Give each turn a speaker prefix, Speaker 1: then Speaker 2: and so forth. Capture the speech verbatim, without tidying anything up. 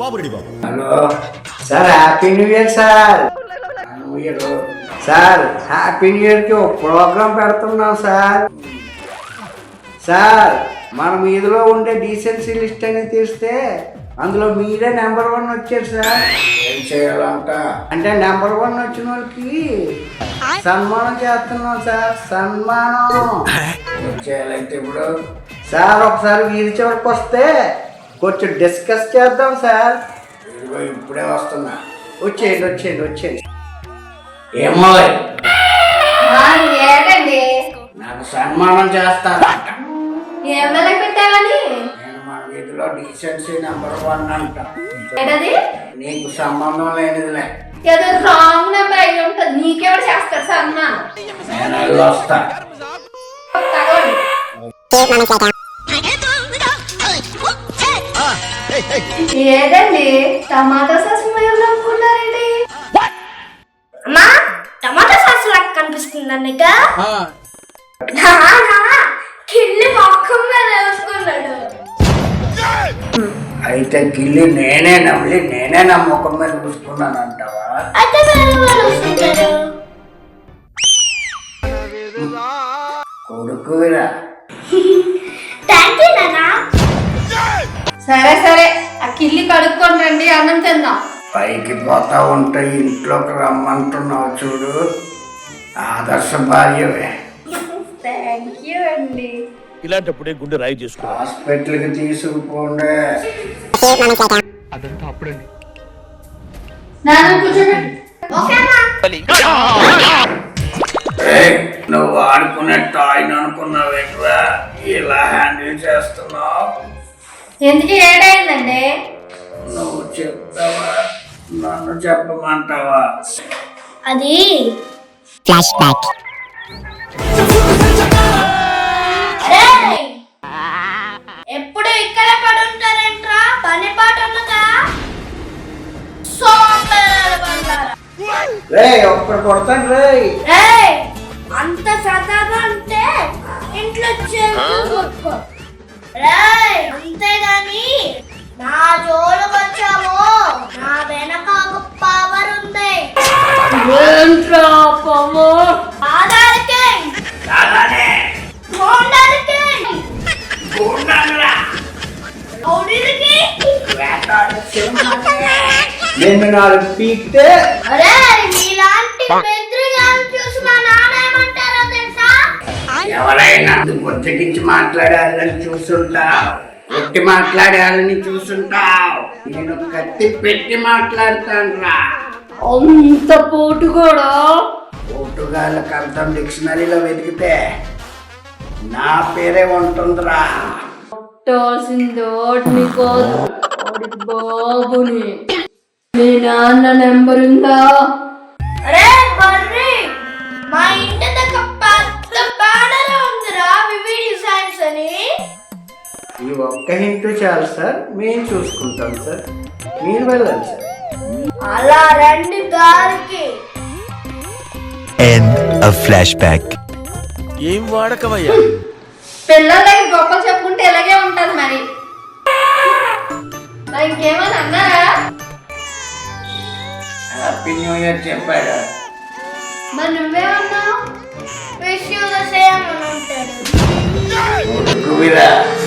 Speaker 1: బాబు ready బాబు.
Speaker 2: Hello sir, happy new year sir. New year sir, happy new ఇయర్కి ఒక programme పెడుతున్నాం sir. Sir, మన మీదిలో ఉండే డీసెన్సీ లిస్ట్ అని తీస్తే అందులో మీరే నెంబర్ వన్ వచ్చారు సార్. ఏం చేయాలంట అంటే నెంబర్ వన్ వచ్చిన వాళ్ళకి సన్మానం చేస్తున్నాం సార్. సన్మానం చేయాలంటే ఇప్పుడు సార్ ఒకసారి వీధి చివరికి వస్తే కొంచెం డిస్కస్ చేద్దాం సార్. ఇప్పుడే వస్తున్నా, వచ్చేయండి వచ్చేయండి వచ్చేయండి. ఏమో నాకు సన్మానం చేస్తానంట. నేను మన వీధిలో డీసెన్సీ నెంబర్ వన్ అంట. నీకు సంబంధం లేనిదిలే.
Speaker 3: ఏదో రాంగ్ నెంబర్ అయి ఉంటుంది. నీకెవరు చేస్తారు సన్మానం?
Speaker 2: నేను వెళ్ళి వస్తా.
Speaker 3: ఏదండి టమాటా సాస్ అనుకున్నారండి?
Speaker 4: అమ్మా, టమాటా సాస్ లాగా కనిపిస్తుంది అన్నక. కిల్లి మొక్కం మీద వేసుకున్నాడు.
Speaker 2: అయితే గిల్లి నేనే నమ్మి నేనే నా ముఖం మీద చూసుకున్నాను అంటావా?
Speaker 4: అయితే వేరే వాళ్ళు వస్తుంటారు.
Speaker 2: కొడుకురా.
Speaker 4: థ్యాంక్ యూ నాన్న.
Speaker 3: సరే సరే, ఆ కిల్లి కడుక్కొని రండి, అన్నం తిందాం.
Speaker 2: పైకి పోతా ఉంటే ఇంట్లోకి రమ్మంటున్నావు చూడు, ఆదర్శ భార్యవే.
Speaker 3: థ్యాంక్ యూ అండి.
Speaker 1: ఇలాంటప్పుడే గుండె రాయి చేసుకో.
Speaker 2: హాస్పిటల్కి తీసుకుపోండి.
Speaker 1: అదంతా అప్పుడండి.
Speaker 3: నాన్న కూర్చోండి.
Speaker 2: నువ్వు ఆడుకునే టాయ్ అనుకున్నావేట్రా, ఇలా హ్యాండిల్ చేస్తున్నావు?
Speaker 3: ఎందుకు ఏడైందండి?
Speaker 2: నువ్వు చెప్తావా, నన్ను చెప్పమంటావా?
Speaker 4: అది
Speaker 5: ఫ్లాష్ బ్యాక్.
Speaker 4: ఎప్పుడు ఇక్కడే పడుంటారేంట్రా? పని పాట ఉన్నదా?
Speaker 2: రే ఒక్కడు కొడతాను రే.
Speaker 4: అంత సరదాగా ఉంటే ఇంట్లో చేసుకో. అంతేగాని నా జోలుకు వచ్చాము, నా వెనక ఒక పవర్ ఉంది. ఆధారకే
Speaker 2: నేను నాలుగు పీకితే
Speaker 4: అరే నీలాంటి బెదిరిగాన్ని చూసి మా నాన్న ఏమంటారో తెలుసా?
Speaker 2: ఎవరైనా బుజ్జగించి మాట్లాడాలని చూస్తుంటావు, పెట్టి మాట్లాడాలని చూస్తుంటావు. నేను కత్తి పెట్టి మాట్లాడతాను రా.
Speaker 3: అంత పోటు కూడా
Speaker 2: పోటుగాళ్ళకి అర్థం డిక్షనరీలో వెతికితే నా పేరే ఉంటుందిరా.
Speaker 3: కొట్టాల్సింది ఓటిని కాదు, ఓడి బాబుని. మీ నాన్న నెంబర్ ఉందా?
Speaker 4: అరే బర్రి, మా ఇంటి దగ్గర పెద్ద బ్యానర్ ఉందిరా, వివి డిజైన్స్ అని.
Speaker 2: ఈ ఒక్క హింట్ చాలు సార్, మేము చూసుకుంటాం సార్, మీరు వెళ్ళండి సార్.
Speaker 4: అలా రండి దారికి.
Speaker 5: End of flashback.
Speaker 1: ఏం వాడకవయ్యా?
Speaker 3: పిల్లలకి గొప్పలు చెప్పుకుంటే ఇలాగే ఉంటది మరి. మరి ఇంకేమని అన్నారా?
Speaker 2: హ్యాపీ న్యూ ఇయర్ చెప్పాడు.
Speaker 3: మరి నువ్వేమన్నావు?
Speaker 4: విష్ యూ ద సేమ్ అని ఉంటాడు.
Speaker 2: కొడుకువిరా.